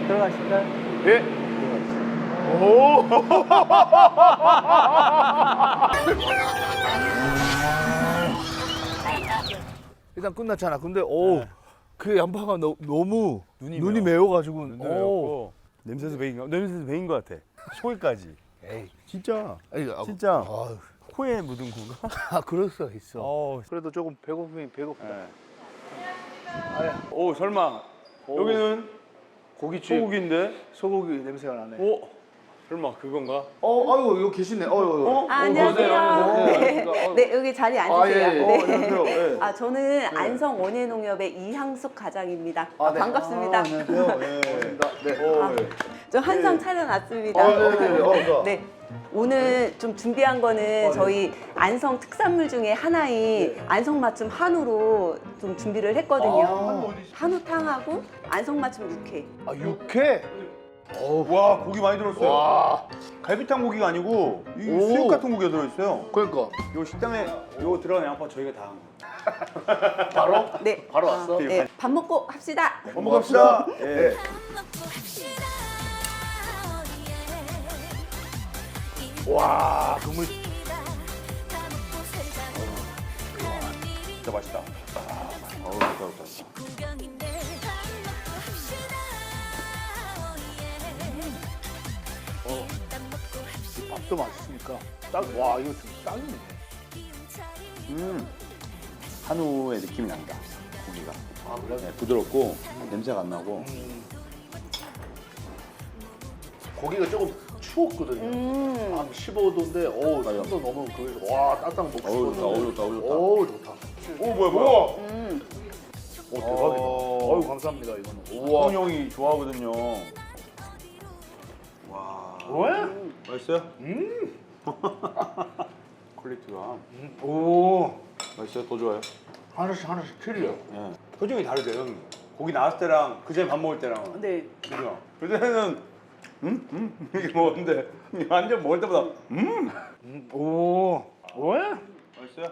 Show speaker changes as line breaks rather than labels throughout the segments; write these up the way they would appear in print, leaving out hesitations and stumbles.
들어가실까요?
예. 오.
일단 끝났잖아. 근데 그 양파가 너무 눈이
매워.
매워가지고
매웠고 냄새도 배인 것 같아. 소리까지.
에이
진짜.
진짜
코에 묻은 건가?
그럴 수 있어.
그래도 조금 배고프긴 배고프다.
네. 오 설마 여기는
고깃집.
소고기인데?
소고기 냄새가 나네.
오 설마 그건가?
아이고 여기 계시네.
안녕하세요.
안녕하세요.
네, 여기 자리에 앉으세요.
아, 예.
네.
안녕하세요. 예.
저는 안성 원예농협의 이향숙 과장입니다.
네.
반갑습니다.
안녕하세요. 예. 반갑습니다. 네.
저 한상 차려놨습니다.
네.
네. 오늘 좀 준비한 거는 저희 안성 특산물 중에 하나인 안성 맞춤 한우로 좀 준비를 했거든요. 한우탕하고 안성 맞춤 육회.
육회.
와 고기 많이 들었어요.
와.
갈비탕 고기가 아니고 이
오.
수육 같은 고기가 들어있어요.
그러니까
요 식당에 요 들어간 양파 저희가 다 한 거.
바로
네.
바로 왔어?
네. 밥 먹고 합시다.
밥 먹고 갑시다.
네. 와, 국물
진짜 맛있다. 어우 좋다.
밥도 맛있으니까 딱 와, 이거 좀 딱이네.
한우의 느낌이 난다. 고기가.
아, 그래?
네, 부드럽고 냄새가 안 나고.
고기가 조금 추웠거든요. 한 15도인데, 어우,
맞아.
3도 넘으면 거기서 와, 따뜻한 먹고
어우,
싶었는데.
좋다, 어우, 좋다, 어우, 좋다.
어우, 좋다.
오 뭐야.
오, 대박이다. 어우, 감사합니다, 이거는. 우와.
우와. 형이 좋아하거든요. 와.
왜?
맛있어요? 퀄리티가.
오,
맛있어요? 더 좋아요?
하나씩 틀려.
예. 표정이 다르죠, 형님. 고기 나왔을 때랑 그전에 밥 먹을 때랑.
네.
그죠? 그전에는 이렇게 먹었는데 완전 먹을 때보다
오, 왜?
맛있어요?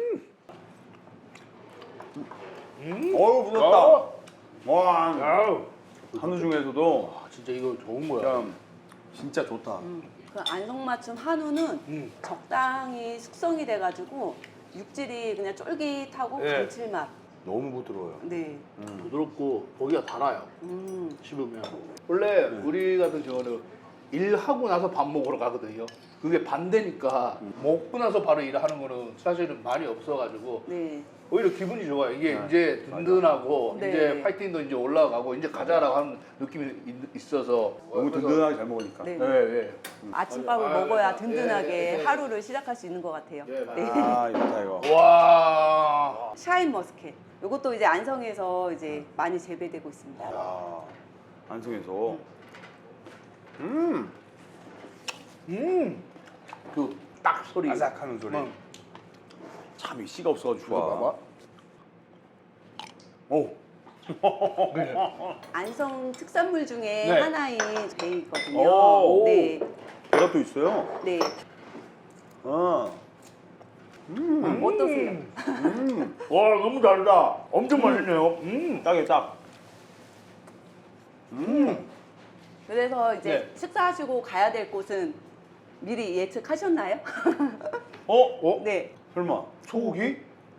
음.
어우 부드럽다. 와
아우.
한우 중에서도
진짜 이거 좋은 거야.
진짜 좋다.
그 안성 맞춤 한우는 적당히 숙성이 돼가지고 육질이 그냥 쫄깃하고
네.
감칠맛.
너무 부드러워요.
네.
부드럽고 고기가 달아요.
음.
씹으면. 원래 우리 같은 경우는 일하고 나서 밥 먹으러 가거든요. 그게 반대니까 먹고 나서 바로 일하는 거는 사실은 많이 없어가지고
네.
오히려 기분이 좋아요. 이게
네.
이제 든든하고
네.
이제 파이팅도 이제 올라가고 이제 가자라고 하는 느낌이 있어서
너무
그래서-
든든하게 잘 먹으니까.
네.
네, 네.
아침밥을
아,
먹어야
네.
든든하게
네.
하루를 시작할 수 있는 것 같아요.
네,
네.
아 좋다 이거.
와.
샤인 머스켓. 이것도 이제 안성에서 이제 많이 재배되고 있습니다.
야 안성에서.
그 딱 소리.
아삭하는 소리. 참 이 씨가 없어가지고
이거
좋아.
봐봐.
오.
안성 특산물 중에
네.
하나인 배이거든요.
오.
네.
배가 또 있어요.
네.
아.
어떠세요?
와, 너무 다르다. 엄청 맛있네요.
딱이에요 딱.
그래서 이제
네.
식사하시고 가야 될 곳은 미리 예측하셨나요? 네.
설마 소고기?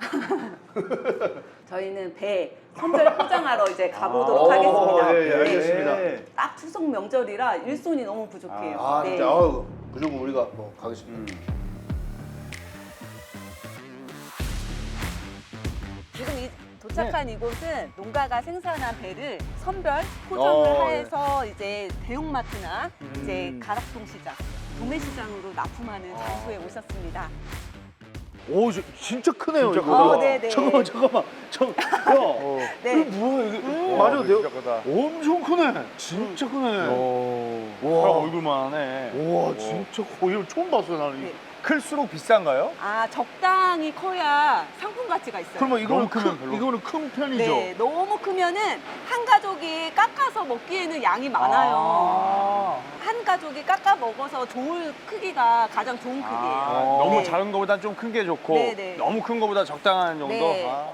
저희는 배 선별 포장하러 이제 가보도록 하겠습니다.
예, 예, 알겠습니다.
네.
딱 추석 명절이라 일손이 너무 부족해요.
아,
네.
진짜. 아우, 무조건 우리가 뭐 가겠습니다.
지금 도착한 이곳은 농가가 생산한 배를 선별 포장을
네.
해서 이제 대형마트나 이제 가락동 시장, 도매 시장으로 납품하는 장소에 오셨습니다.
오, 진짜 크네요.
진짜
이거.
크다. 네네.
잠깐만. 야,
네.
이거 뭐야 이게? 맞아도 돼요?
진짜 크다.
엄청 크네. 진짜 크네.
사람 얼굴만 하네.
와, 진짜 이거 처음 봤어요 나는.
네.
클수록 비싼가요?
아, 적당히 커야 상품 가치가 있어요.
그러면 이거는
너무 크면 별로.
이거는 큰 편이죠.
네, 너무 크면은 한 가족이 깎아서 먹기에는 양이 많아요. 한 가족이 깎아 먹어서 좋을 크기가 가장 좋은 크기예요.
너무
네.
작은 거보다 좀 큰 게 좋고
네, 네.
너무 큰 거보다 적당한 정도.
네.
아.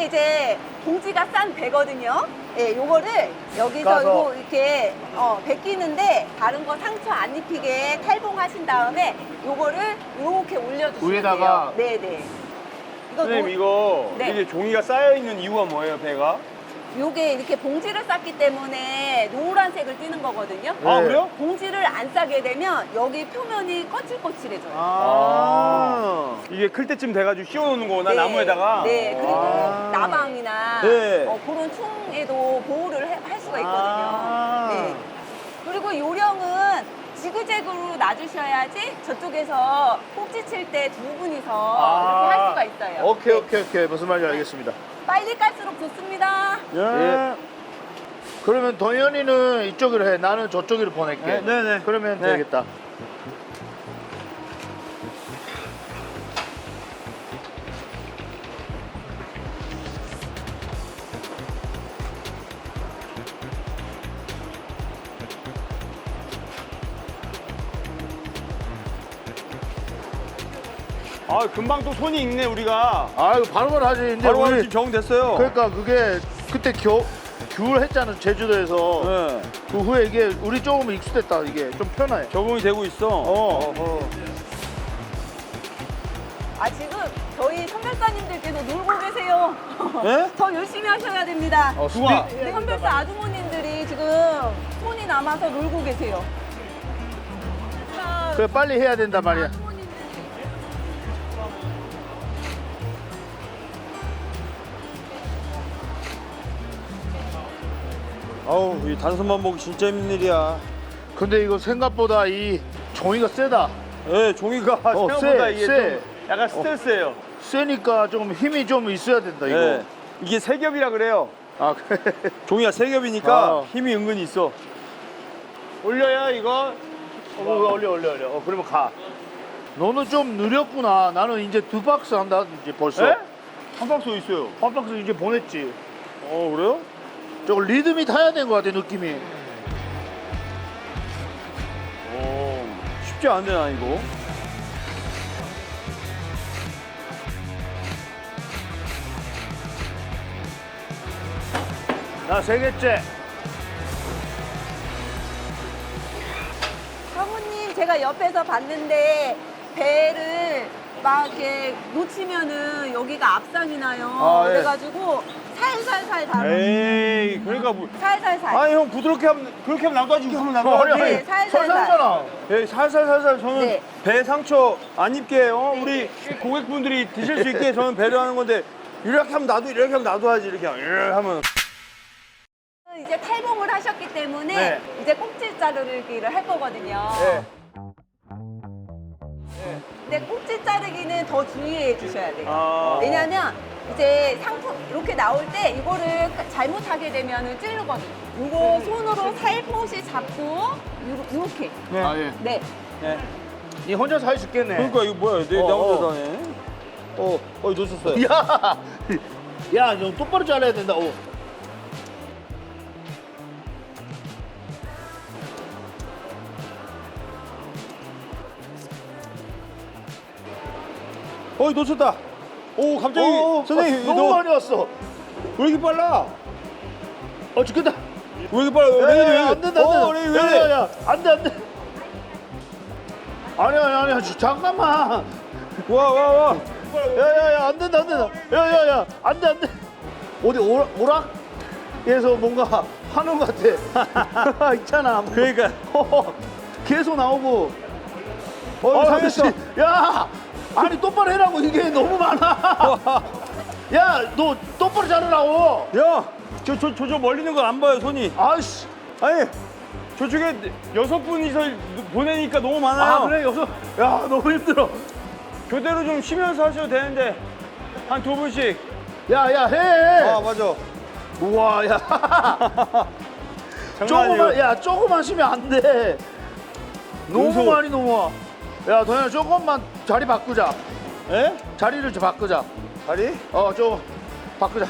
요게 이제 봉지가 싼 배거든요. 예, 요거를 여기서
까서.
요거 이렇게 벗기는데 다른 거 상처 안 입히게 탈봉하신 다음에 요거를 이렇게 올려주시면
위에다가.
돼요. 네네. 이거
선생님
노-
이거
네.
이게 종이가 쌓여 있는 이유가 뭐예요, 배가?
요게 이렇게 봉지를 쌌기 때문에 노란색을 띠는 거거든요.
아
네.
그래요?
봉지를 안 싸게 되면 여기 표면이 거칠거칠해져요.
이게 클 때쯤 돼가지고 씌워놓는 거구나
네.
나무에다가.
네, 그리고
아.
나방이나
네.
그런 충에도 보호를 할 수가 있거든요.
아.
네. 그리고 요령은 지그재그로 놔주셔야지 저쪽에서 꼭지 칠 때 두 분이서 이렇게 할 수가 있어요.
오케이,
네.
오케이. 무슨 말인지 알겠습니다.
빨리 갈수록 좋습니다.
예. 그러면 동현이는 이쪽으로 해. 나는 저쪽으로 보낼게.
네네.
그러면
네.
되겠다.
아 금방 또 손이 익네 우리가.
아, 이거 바로바로 하지. 이제
바로
우리
지금 적응됐어요.
그러니까 그게 그때 귤 했잖아, 제주도에서.
네.
그 후에 이게 우리 조금 익숙됐다. 이게 좀 편해.
적응이 되고 있어.
어허.
아, 지금 저희 선별사님들께서 놀고 계세요.
네?
더 열심히 하셔야 됩니다.
누가?
네, 선별사 아주머님들이 지금 손이 남아서 놀고 계세요. 자,
그래, 빨리 해야 된단 말이야.
아주머님들이
아우 이 단순만 먹기 진짜 힘든 일이야.
근데 이거 생각보다 이 종이가 세다.
네, 종이가 생각보다
세,
이게
세.
좀 약간 스트레스예요.
세니까 좀 힘이 좀 있어야 된다, 이거.
네. 이게 세 겹이라 그래요.
아, 그래.
종이가 세 겹이니까
아.
힘이 은근히 있어. 올려야 이거.
올려. 그러면 가. 너는 좀 느렸구나. 나는 이제 2박스 한다, 이제 벌써.
네? 한 박스 있어요.
한 박스 이제 보냈지.
그래요?
저거 리듬이 타야 되는 것 같아, 느낌이.
쉽지 않네 나 이거.
나 3개째.
사모님, 제가 옆에서 봤는데 배를 막 이렇게 놓치면은 여기가 압상이 나요.
아, 예.
그래가지고 살살살 다뤄.
에이 그러니까 뭐.
살살살.
아니 형 부드럽게 하면 그렇게 하면 나도 하지 하면 나도 하지.
네, 살살살.
설사잖아.
예, 살살살살 저는
네.
배 상처 안 입게 우리 고객분들이 드실 수 있게 저는 배려하는 건데 이렇게 하면 나도 이렇게 하면 나도 하지 이렇게 하면.
이제 탈봉을 하셨기 때문에
네.
이제 꼭지 자르기를 할 거거든요.
네.
근데 꼭지 자르기는 더 주의해 주셔야 돼요.
아.
왜냐면 이제 상품 이렇게 나올 때 이거를 잘못하게 되면 찌르거든요. 이거 손으로 살포시 잡고 이렇게.
네.
아, 예.
네.
네.
니 혼자서 할 수 있겠네.
그러니까 이거 뭐야? 내 혼자 다네. 놓쳤어요.
야, 너 똑바로 잘라야 된다.
놓쳤다. 오 갑자기 선생님
너무 많이 왔어.
왜 이렇게 빨라?
죽겠다.
왜 이렇게 빨라? 왜 이래?
안 된다, 안 된다.
왜 이래?
야, 안 돼, 안 돼. 아니야, 잠깐만.
와.
야, 안 된다. 야, 안 돼. 어디 오락에서 뭔가 하는 것 같아. 있잖아.
그러니까.
계속 나오고.
잘했어.
야, 아니 똑바로 해라고. 이게 너무 많아. 야, 너 똑바로 자르라고.
야, 저 멀리 있는 거 안 봐요 손이.
아이씨.
아니 저쪽에 6분이서 보내니까 너무 많아요.
아, 그래, 여기서. 야, 너무 힘들어.
교대로 좀 쉬면서 하셔도 되는데 한 2분씩.
야, 해.
아 맞아.
우와, 야. 조금만 쉬면 안 돼. 너무
은소.
많이 넘어와. 야, 도현아, 조금만 자리 바꾸자.
에?
자리를 좀 바꾸자.
다리?
좀 바꾸자.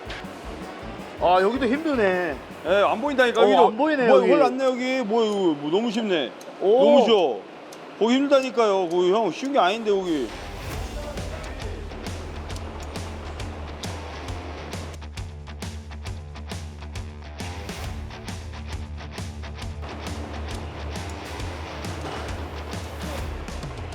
여기도 힘드네.
에, 안 보인다니까 여기도.
안 보이네,
뭐,
여기.
헐 안 내 여기. 뭐 너무 쉽네.
오.
너무 쉬워. 거기 힘들다니까요. 거기 형 쉬운 게 아닌데 거기.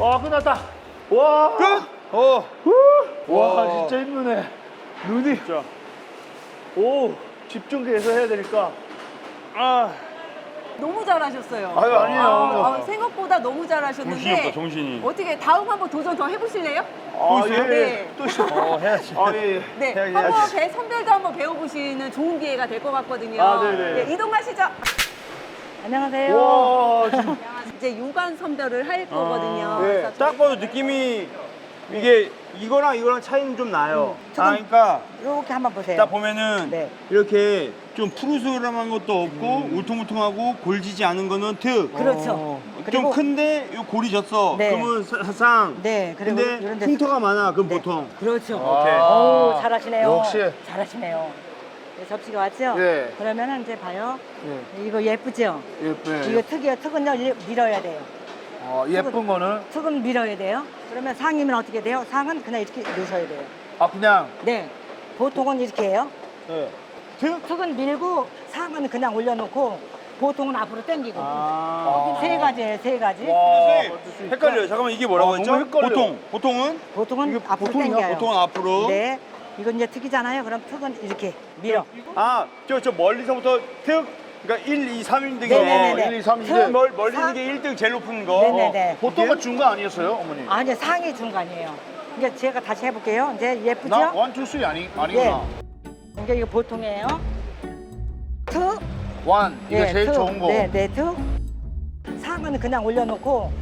와 끝났다. 와.
끝.
와 진짜 힘드네. 눈이.
진짜.
오 집중해서 해야 되니까.
아.
너무 잘하셨어요.
아유, 아니에요.
생각보다 너무 잘하셨는데.
정신이 없다, 정신이.
어떻게 다음 한번 도전 더 해보실래요?
아
있어요?
예.
네.
또 있어.
해야지.
아 예. 예.
네,
해야지,
한번
해야지.
배 선별도 한번 배워보시는 좋은 기회가 될 것 같거든요.
아, 네네.
네, 이동하시죠. 안녕하세요.
와 진짜.
이제 유관 선별을 할 거거든요.
네.
그래서
딱 봐도 느낌이 이게 이거랑 차이는 좀 나요. 그러니까
이렇게 한번 보세요.
딱 보면은
네.
이렇게 좀 푸르스름한 것도 없고 울퉁불퉁하고 골지지 않은 거는 특.
그렇죠.
좀
그리고
큰데 요 골이 졌어.
네.
그러면 상.
네, 그리고
근데
이런 데
흉터가 많아. 그럼
네.
보통.
그렇죠.
오케이.
오, 잘하시네요.
역시.
잘하시네요. 네, 접시가 왔죠?
네.
그러면은 이제 봐요.
네.
이거 예쁘죠?
예쁘네.
이거 특이해요. 특은요 밀어야 돼요.
예쁜 거는
특은 밀어야 돼요. 그러면 상이면 어떻게 돼요? 상은 그냥 이렇게 넣으셔야 돼요.
아 그냥.
네. 보통은 이렇게 해요.
네.
특은 밀고 상은 그냥 올려놓고 보통은 앞으로 당기고.
아.
세 가지예요, 세 가지.
선생님, 헷갈려요. 잠깐만 이게 뭐라고
아,
했죠?
너무 헷갈려.
보통은
보통은 앞으로
보통이야?
당겨요.
보통은 앞으로.
네. 이건 이제 특이잖아요. 그럼 특은 이렇게 밀어.
아, 저 멀리서부터 특. 그러니까 1, 2, 3인 등이
네네네네.
1, 2, 3
특.
멀리
사-
있는 게 1등 제일 높은 거.
네네네.
보통은 중간 아니었어요, 어머니?
아니 상이 중간이에요. 이제 제가 다시 해볼게요. 이제 예쁘죠?
나 원투 쓰리 아니구나.
이제 이거 보통이에요. 특.
원 이게 제일
특.
좋은 거.
네, 네, 특. 상은 그냥 올려놓고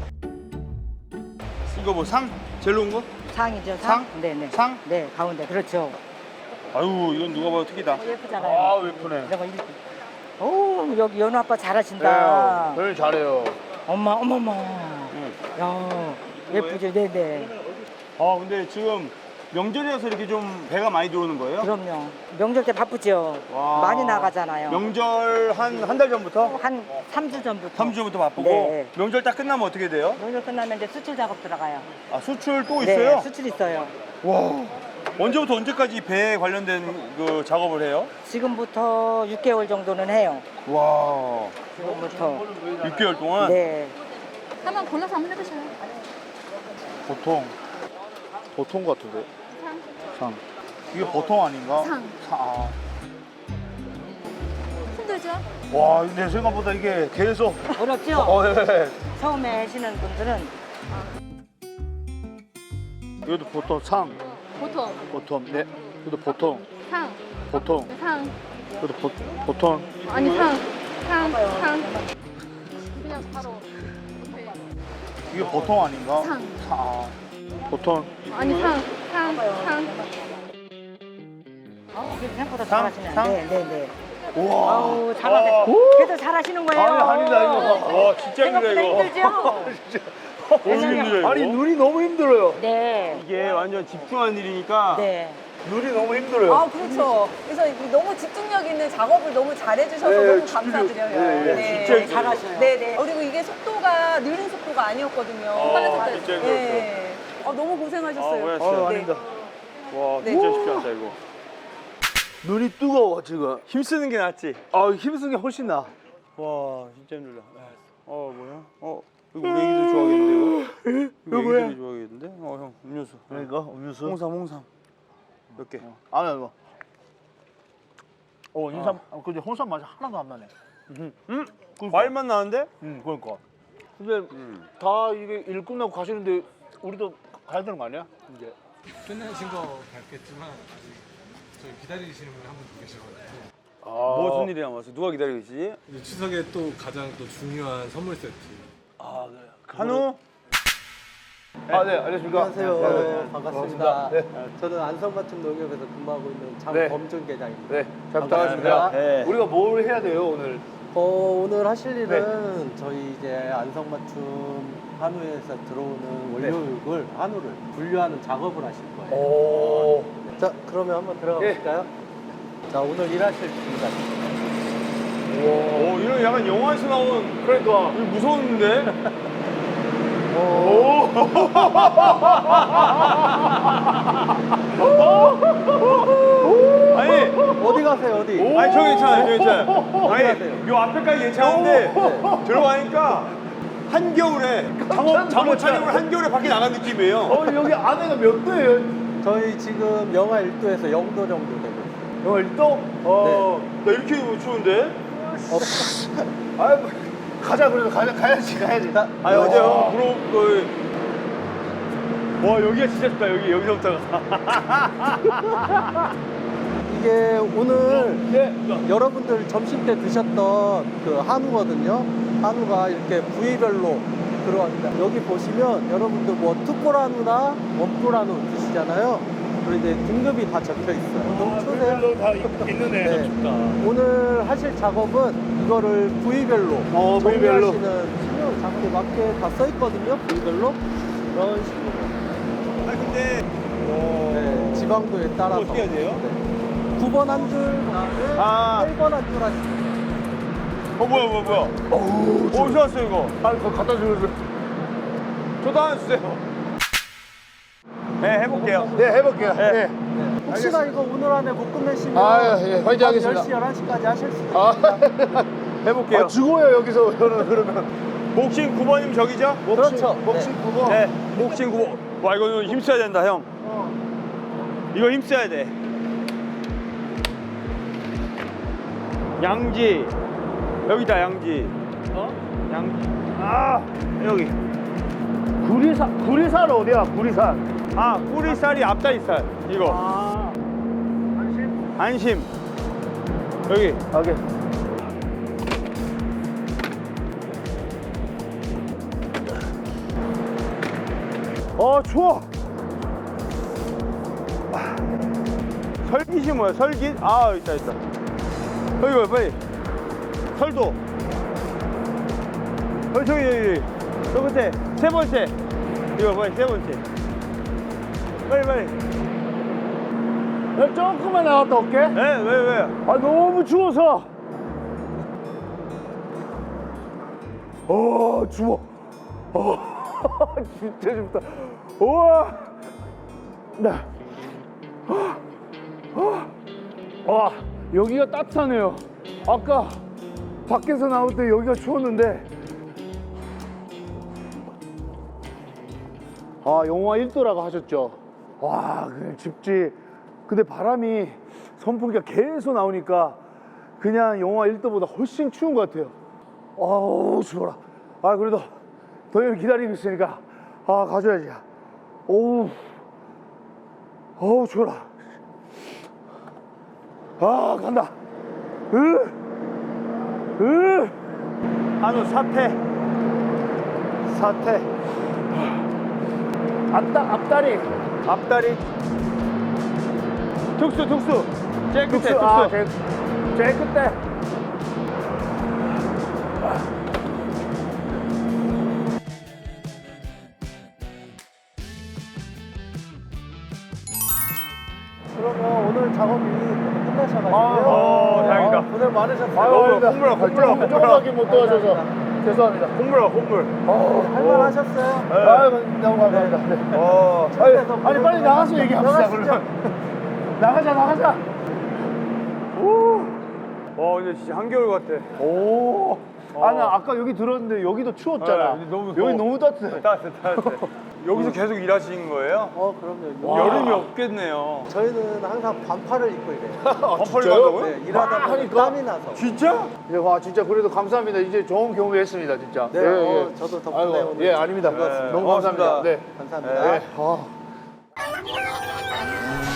이거 뭐 상? 제일 높은 거?
상이죠.
상?
네, 네.
상?
네, 가운데 그렇죠.
아유, 이건 누가 봐도 특이다.
예쁘잖아요.
아 예쁘네.
이런 거 이렇게. 오, 여기 연우 아빠 잘하신다.
네, 별일 잘해요.
엄마, 어머머.
응.
야, 예쁘죠, 네, 네.
아, 근데 지금 명절이라서 이렇게 좀 배가 많이 들어오는 거예요?
그럼요. 명절 때 바쁘죠.
와.
많이 나가잖아요.
명절 한 달 전부터?
한 3주 전부터.
3주 전부터 바쁘고
네.
명절 딱 끝나면 어떻게 돼요?
명절 끝나면 이제 수출 작업 들어가요.
아, 수출 또
네,
있어요?
수출 있어요.
와. 언제부터 언제까지 배에 관련된 그 작업을 해요?
지금부터 6개월 정도는 해요.
와.
지금부터.
6개월 동안?
네.
한번 골라서 한번 해보셔요.
보통 같은데. 상. 이게 보통 아닌가?
상.
아.
힘들죠?
와, 내 생각보다 이게 계속.
어렵죠?
예.
처음에 하시는 분들은
이것도 보통 상.
보통,
보통. 네. 이것도 보통.
상,
보통.
상,
이것도 보통.
아니 상. 그냥 바로 네.
이게 보통 아닌가?
상.
아. 보통.
아니 상.
생각보다
상?
잘하시네.
상?
네, 네, 네.
우와.
아우, 잘하세요. 그래도 잘하시는 거예요.
아니다 이거.
와, 진짜 힘들다
생각보다
이거.
힘들죠?
너무 힘들어요 이거.
아니 눈이 너무 힘들어요.
네.
이게 완전 집중하는 일이니까
네.
눈이 너무 힘들어요.
아, 그렇죠. 그래서 이 너무 집중력 있는 작업을 너무 잘해주셔서
네,
너무
진짜,
감사드려요.
네,
진짜
잘하셔요.
네네. 그리고 이게 속도가 느린 속도가 아니었거든요. 빠른 속도.
진짜
네. 너무 고생하셨어요.
고생하셨어요.
아닙니다.
와,
네.
진짜 쉽지 않다 이거.
눈이 뜨거워 지금.
힘쓰는 게 낫지.
아 힘쓰는 게 훨씬 나.
와, 진짜 힘들다. 뭐야? 이거 우리 애기들 좋아하겠는데 이거? 이거 애기들이 좋아하겠는데? 형, 음료수.
그러니까 음료수.
홍삼. 몇 개?
아니야 이거. 인삼. 근데 홍삼 맛이 하나도 안 나네.
과일맛 나는데?
그러니까. 근데 다 이게 일 끝나고 가시는데 우리도 가야 되는 거 아니야? 이제.
끝나신 거 같겠지만 아직 저희 기다리시는 분이 한 분 더 계셔가지고
무슨 일이 남았어? 누가 기다리고 있지?
이제 추석에 또 가장 또 중요한 선물 세트
한우?
네, 안녕하십니까.
안녕하세요. 반갑습니다.
네.
저는 안성맞춤 농협에서 근무하고 있는
네.
장범준 계장입니다.
네, 잘
반갑습니다.
부탁드립니다.
네.
우리가 뭘 해야 돼요 오늘?
오늘 하실 일은 저희 이제 안성맞춤 한우에서 들어오는 원료육을 한우를 분류하는 작업을 하실 거예요.
오.
자, 그러면 한번 들어가
예.
보실까요? 자, 오늘 일하실 분입니다.
오, 이런 약간 영화에서 나온
그러니까.
이거 무서웠는데? 아니,
어디 가세요, 어디?
아니 저 괜찮아요.
어디
아니
가세요?
요 앞에까지 괜찮은데 들어가니까 한겨울에 잠옷 촬영을 한겨울에 밖에 나간 느낌이에요.
여기 안에가 몇 도예요?
저희 지금 영하 1도에서 0도 정도 되고 있어요.
영하 1도?
나 이렇게 추운데?
아, 가자 그래도 가야지.
아니 어제요 와 여기가 진짜 좋다. 여기서부터가.
이게 오늘
네.
여러분들 점심 때 드셨던 그 한우거든요. 한우가 이렇게 부위별로 들어갑니다. 여기 보시면 여러분들 뭐 특골 한우나 원뿔 한우 드시잖아요. 그리고 이제 등급이 다 적혀 있어요. 너무 추세요?
다 있는데
네. 오늘 하실 작업은 이거를 부위별로
부위별로.
정리하시는 신용 작업에 맞게 다 써 있거든요. 부위별로 이런 식으로.
아 근데
네, 지방도에 따라서
어떻게 해야 돼요?
네. 9번 한 줄, 그다음에
아.
8번 한 줄 하시면
뭐야? 어디서 왔어요 이거?
아, 그거 갖다 주세요.
저도 하나 주세요. 네 해볼게요.
네, 해볼게요. 네.
혹시나 이거 오늘 안에 못 끝내시면
아, 예, 화이팅 하겠습니다.
10시, 11시까지 하실 수
아,
있습니다.
해볼게요.
죽어요 여기서 저는 그러면.
목신 9번이면 저기죠?
그렇죠.
목신 9번.
네. 목신 9번. 와 이거 힘써야 된다 형. 이거 힘써야 돼. 양지. 여기다 양지. 양지. 아 여기.
구리산 어디야? 구리산.
아 꼬리살이 앞다리살. 이거.
아,
안심. 여기.
오케이. 추워.
설깃이 뭐야? 설깃? 아 있다. 여기 봐 빨리. 설도. 저기. 저 끝에 세 번째. 이거 빨리 세 번째. 빨리.
야, 조금만 나갔다 올게.
네? 왜?
아, 너무 추워서. 추워. 진짜 춥다. 우와. 네. 와, 여기가 따뜻하네요. 아까 밖에서 나올 때 여기가 추웠는데. 영하 1도라고 하셨죠? 와, 그냥 춥지. 근데 바람이 선풍기가 계속 나오니까 그냥 영하 1도보다 훨씬 추운 것 같아요. 아우, 추워라. 그래도 동현이 기다리고 있으니까 가져야지. 어우, 추워라. 간다.
한우 사태.
앞다리.
앞다리. 특수. 제일 끝에 특수.
제일 끝에.
그러면 오늘 작업이 끝나셔가지고요.
다행이다.
고생 많으셨어요.
홈물.
조금밖에 못 도와줘서 죄송합니다.
홈물.
할만 하셨어요?
너무 감사합니다.
추운데서
아니, 빨리 나가서 얘기합시다.
나가시죠.
그러면. 나가자.
와 근데 진짜 한겨울 같아.
나 아까 여기 들었는데 여기도 추웠잖아.
네, 너무
여기
더워.
너무 따뜻해.
따뜻해. 여기서 계속 일하시는 거예요?
그럼요.
여름이 없겠네요.
저희는 항상 반팔을 입고 일해요.
반팔을
진짜요?
간다고요?
네, 일하다 보니 땀이 나서.
진짜?
와, 진짜 그래도 감사합니다. 이제 좋은 경험했습니다, 진짜.
네, 저도 덕분에
아이고,
오늘
아닙니다.
즐거웠습니다.
너무 감사합니다. 네.
감사합니다.
네.